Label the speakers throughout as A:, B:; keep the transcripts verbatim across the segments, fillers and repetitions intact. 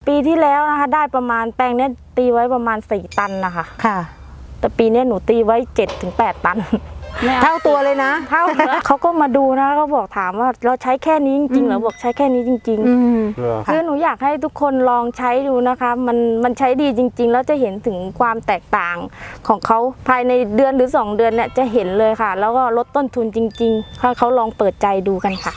A: ปีที่แล้วนะคะได้ประมาณแปลงเนี้ยตีไว้ประมาณสี่ตันนะคะ
B: ค่ะ
A: แต่ปีนี้หนูตีไว้เจ็ดถึงแปดตัน
B: เท่าตัวเลยนะ
A: เท่าเขาก็มาดูนะเขาบอกถามว่าเราใช้แค่นี้จริงๆเหรอบอกใช้แค่นี้จริงๆคือหนูอยากให้ทุกคนลองใช้ดูนะคะมันมันใช้ดีจริงๆแล้วจะเห็นถึงความแตกต่างของเขาภายในเดือนหรือสองเดือนเนี่ยจะเห็นเลยค่ะแล้วก็ลดต้นทุนจริงๆถ้าเขาลองเปิดใจดูกันค่ะ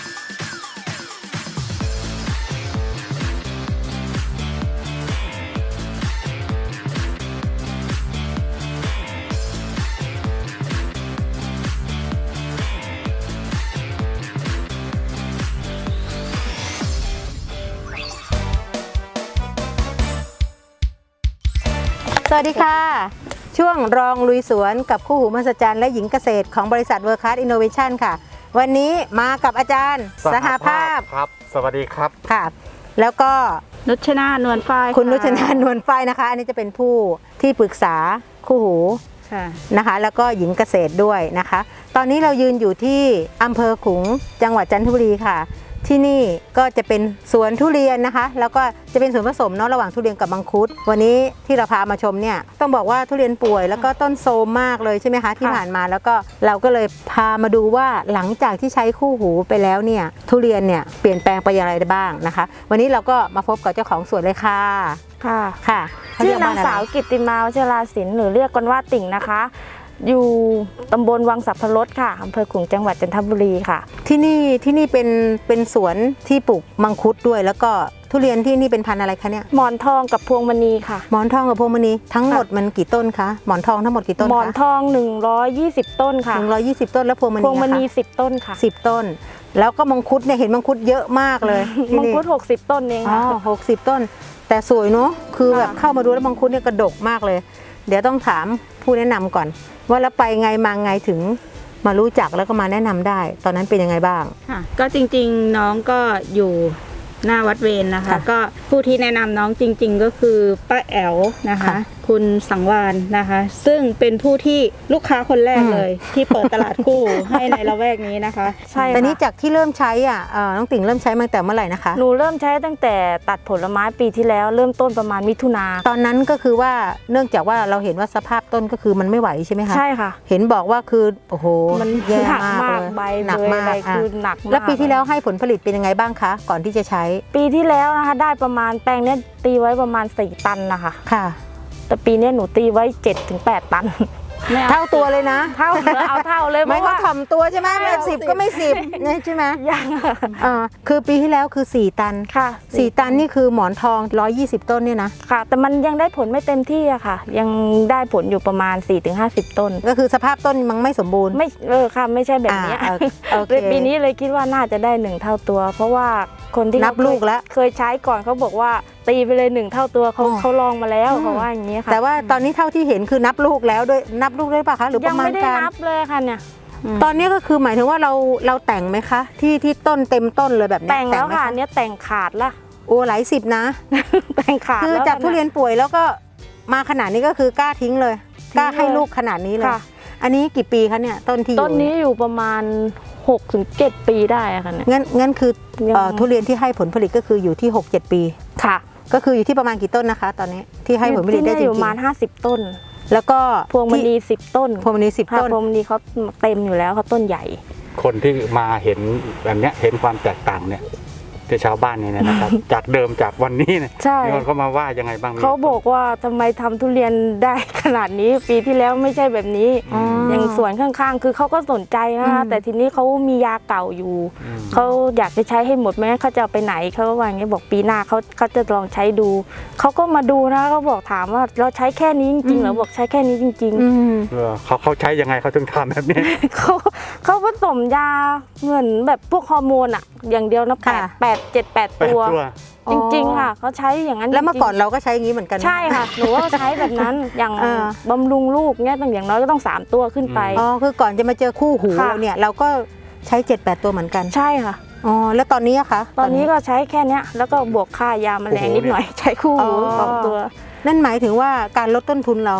B: สวัสดีค่ะช่วงรองลุยสวนกับคู่หูมหัศจรรย์และหญิงเกษตรของบริษัทเวิร์คคลาสอินโนเวชั่นค่ะวันนี้มากับอาจารย์สหภาพ
C: ครับสวัสดีครับ
B: ค่ะแล้วก็
A: นุชนานวลฝ้าย
B: คุณนุชนานวลฝ้ายนะคะอันนี้จะเป็นผู้ที่ปรึกษาคู่หูนะคะแล้วก็หญิงเกษตรด้วยนะคะตอนนี้เรายืนอยู่ที่อำเภอขลุงจังหวัดจันทบุรีค่ะที่นี่ก็จะเป็นสวนทุเรียนนะคะแล้วก็จะเป็นส่วนผสมเนาะระหว่างทุเรียนกับมังคุดวันนี้ที่เราพามาชมเนี่ยต้องบอกว่าทุเรียนป่วยแล้วก็ต้นโทรมมากเลยใช่ไหมคะที่ผ่านมาแล้วก็เราก็เลยพามาดูว่าหลังจากที่ใช้คู่หูไปแล้วเนี่ยทุเรียนเนี่ยเปลี่ยนแปลงไปอย่างไรได้บ้างนะคะวันนี้เราก็มาพบกับเจ้าของสวนเลยค่ะ
A: ค่ะ
B: ค่ะ
A: ชื่อนางสาวกิตติมาวชราศิลป์หรือเรียกกันว่าติ่งนะคะอยู่ตำบลวังสัพพรสค่ะอำเภอขลุงจังหวัดจันทบุรีค่ะ
B: ที่นี่ที่นี่เป็นเป็นสวนที่ปลูกมังคุดด้วยแล้วก็ทุเรียนที่นี่เป็นพันธุ์อะไรคะเนี่ย
A: หมอนทองกับพวงมณีค่ะ
B: หมอนทองกับพวงมณีทั้งหมดมันกี่ต้นคะหมอนทองทั้งหมดกี่ต้นคะ
A: หมอนทองหนึ่งร้อยยี่สิบต้นค่ะ
B: หนึ่งร้อยยี่สิบต้นแล้วพวงมณี
A: พวงมณีสิบต้นค่ะ
B: สิบต้นแล้วก็มังคุดเนี่ยเห็นมังคุดเยอะมากเลย
A: มังคุดหกสิบต้นเองค่ะ
B: อ๋อหกสิบต้นแต่สวยเนาะคือแบบเข้ามาดูแล้วมังคุดเนี่ยกระดกมากเลยเดี๋ยวต้องถามผู้แนะนำก่อนว่าแล้วไปไงมาไงถึงมารู้จักแล้วก็มาแนะนำได้ตอนนั้นเป็นยังไงบ้าง
D: ค่ะก็จริงๆน้องก็อยู่หน้าวัดเวร น, นะคะก็ผู้ที่แนะนำน้องจริงๆก็คือป้าแอ๋วนะคะคุณสังวานนะคะซึ่งเป็นผู้ที่ลูกค้าคนแรกเลยที่เปิดตลาดคู่ให้ในละแวกนี้นะคะ
B: ใช่แต่นี้จากที่เริ่มใช้อ่ะน้องติ่งเริ่มใช้มาตั้งแต่เมื่อไหร่นะคะ
A: หนูเริ่มใช้ตั้งแต่ตัดผลไม้ปีที่แล้วเริ่มต้นประมาณมิถุนา
B: ตอนนั้นก็คือว่าเนื่องจากว่าเราเห็นว่าสภาพต้นก็คือมันไม่ไหวใช่ไหมคะ
A: ใช่ค่ะ
B: เห็นบอกว่าคือโอ้โห
A: มัน
B: แย่
A: มากเลย
B: ใบ
A: หนักมากคือหนัก
B: แล้วปีที่แล้วให้ผลผลิตเป็นยังไงบ้างคะก่อนที่จะใช้
A: ปีที่แล้วนะคะได้ประมาณแปลงเนี้ยตีไว้ประมาณสี่ตันนะคะ
B: ค่ะ
A: แต่ปีนี้หนูตีไว้เจ็ดถึงแปดตัน
B: เท่าตัวเลยนะ
A: เท่าเอาเท่าเลย
B: ไม่ก็ถ่อมตัวใช่ไหมไม่สิบก็ไม่สิบใช่ไหม
A: ยัง
B: อ่าคือปีที่แล้วคือสี่ตัน
A: ค่ะ
B: สี่ตันนี่คือหมอนทองร้อยยี่สิบต้นเนี่ยนะ
A: ค่ะแต่มันยังได้ผลไม่เต็มที่อะค่ะยังได้ผลอยู่ประมาณ สี่ถึงห้าสิบ ต้น
B: ก็คือสภาพต้นมันไม่สมบูรณ์
A: ไม่เออค่ะไม่ใช่แบบนี้เลยปีนี้เลยคิดว่าน่าจะได้หนึ่งเท่าตัวเพราะว่าคนที่
B: นับลูกแล้ว
A: เคยใช้ก่อนเขาบอกว่าตีไปเลยหนึ่งเท่าตัวเขาเขาลองมาแล้วเขาว่าอย่างนี้ค่ะ
B: แต่ว่าตอนนี้เท่าที่เห็นคือนับลูกแล้วด้วยนับลูกด้วยป่ะคะหรือประมาณการ
A: ยังไม่ได้นับเลยค่ะเนี่ย
B: ตอนนี้ก็คือหมายถึงว่าเราเราแต่งไหมคะที่ที่ต้นเต็มต้นเลยแบบนี้
A: แต่งแล้วค่ะเนี้ยแต่งขาดละ
B: โอ้หลายสิบนะ
A: แต่งขาด
B: คือจากทุเรียนป่วยแล้วก็มาขนาดนี้ก็คือกล้าทิ้งเลยกล้าให้ลูกขนาดนี้เลยอันนี้กี่ปีคะเนี่ยต้นที่อยู่
A: ต้นนี้อยู่ประมาณหกถึงเจ็ดปีได้ค่ะเนี่ย
B: งั้นงั้นคือทุเรียนที่ให้ผลผลิตก็คืออยู่ที่หกเจ็ดปี
A: ค่ะ
B: ก็คืออยู่ที่ประมาณกี่ต้นนะคะตอนนี้ที่ให้ผลผลิตได้จริงๆ
A: อยู่ประมาณห้าสิบต้น
B: แล้วก็
A: พวงมณีสิบต้น
B: พวงมณีสิบต้น
A: พวงมณีเขาเต็มอยู่แล้วเขาต้นใหญ่
C: คนที่มาเห็นแบบนี้เห็นความแตกต่างเนี่ยที่ชาวบ้านเนี่ยนะครับจากเดิมจากวันนี้เนี่ยมีคนเขามาว่ายังไงบ้าง
A: เขาบอกว่าทำไมทำทุเรียนได้ขนาดนี้ปีที่แล้วไม่ใช่แบบนี้อย่างสวนข้างๆคือเขาก็สนใจนะคะแต่ทีนี้เขามียาเก่าอยู่เขาอยากจะใช้ให้หมดไหมเขาจะเอาไปไหนเขาก็ว่าอย่างนี้บอกปีหน้าเขาเขาจะลองใช้ดูเขาก็มาดูนะเขาบอกถามว่าเราใช้แค่นี้จริงๆเหรอบอกใช้แค่นี้จริง
C: ๆเขาเขาใช้ยังไงเขาถึงทำแบบนี้
A: เขาเขาผสมยาเหมือนแบบพวกฮอร์โมนอะอย่างเดียวนะแปดแปดเจ็ดแปดตัวจริงๆค่ะเขาใช้อย่างนั้น
B: แล้วเมื่อก่อนเราก็ใช้อย่างนี้เหมือนกัน
A: ใช่ค่ะหนูว่าใช้แบบนั้นอย่างบำรุงลูกเนี่ยตั้งอย่างน้อยก็ต้องสามตัวขึ้นไป
B: อ๋อคือก่อนจะมาเจอคู่หูเนี่ยเราก็ใช้เจ็ดแปดตัวเหมือนกัน
A: ใช่ค่ะ
B: อ๋อแล้วตอนนี้อะคะ
A: ตอนนี้ก็ใช้แค่นี้แล้วก็บวกค่ายาแมลงนิดหน่อยใช้คู่หูสองตัว
B: นั่นหมายถึงว่าการลดต้นทุนเรา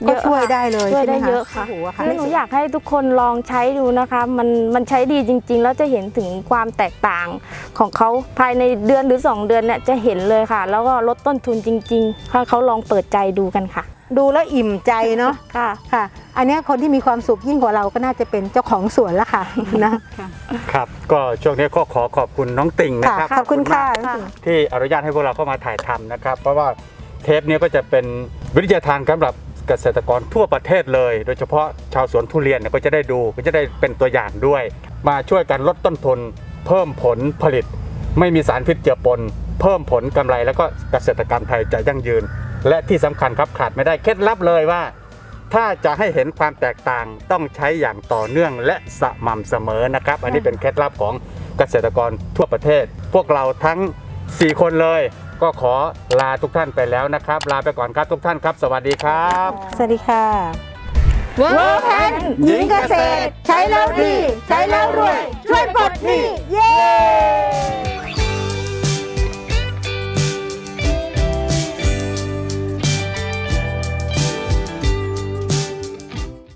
A: เย
B: ก็
A: อะ
B: ช่วย
A: ค่ะ
B: ได้เลย
A: ช่วยได้
B: ใช่ไหมคะ
A: เยอะค่ะ
B: โอ้โหค่ะ
A: คือหนูอยากให้ทุกคนลองใช้ดูนะคะ มันมันใช้ดีจริง ๆ แล้วจะเห็นถึงความแตกต่างของเขาภายในเดือนหรือสองเดือนเนี่ยจะเห็นเลยค่ะ แล้วก็ลดต้นทุนจริงๆถ้าเขาลองเปิดใจดูกันค่ะ
B: ดูแล้วอิ่มใจเนาะ
A: ค่ะ
B: ค่ะ อันเนี้ยคนที่มีความสุขยิ่งกว่าเราก็น่าจะเป็นเจ้าของสวนละค่ะ นะ
C: ครับ ก็ช่วงนี้ก็ขอขอบคุณน้องติ่งนะ
B: ค่ะ
C: ครับ
B: ขอบคุณค่ะ
C: มากที่อนุญาตให้พวกเราเข้ามาถ่ายทำนะครับ เพราะว่าเทปนี้ก็จะเป็นวิทยาทานสำหรับเกษตรกรทั่วประเทศเลย โดยเฉพาะชาวสวนทุเรียนเนี่ยก็จะได้ดูก็จะได้เป็นตัวอย่างด้วย มาช่วยกันลดต้นทุน เพิ่มผลผลิต ไม่มีสารพิษเจือปน เพิ่มผลกำไรแล้วก็เกษตรกรรมไทยจะยั่งยืน และที่สำคัญครับขาดไม่ได้เคล็ดลับเลยว่า ถ้าจะให้เห็นความแตกต่างต้องใช้อย่างต่อเนื่องและสม่ำเสมอนะครับ อันนี้เป็นเคล็ดลับของเกษตรกรทั่วประเทศ พวกเราทั้งสี่คนเลย ก็ขอลาทุกท่านไปแล้วนะครับ ลาไปก่อนครับทุกท่านครับ สวัสดีครับ
B: สวัสดีค่ะ
A: เวิร์คแพน
B: หญิงเกษตร ใช้แล้วดี ใช้แล้วรวย ช่วยปลดหนี้เย้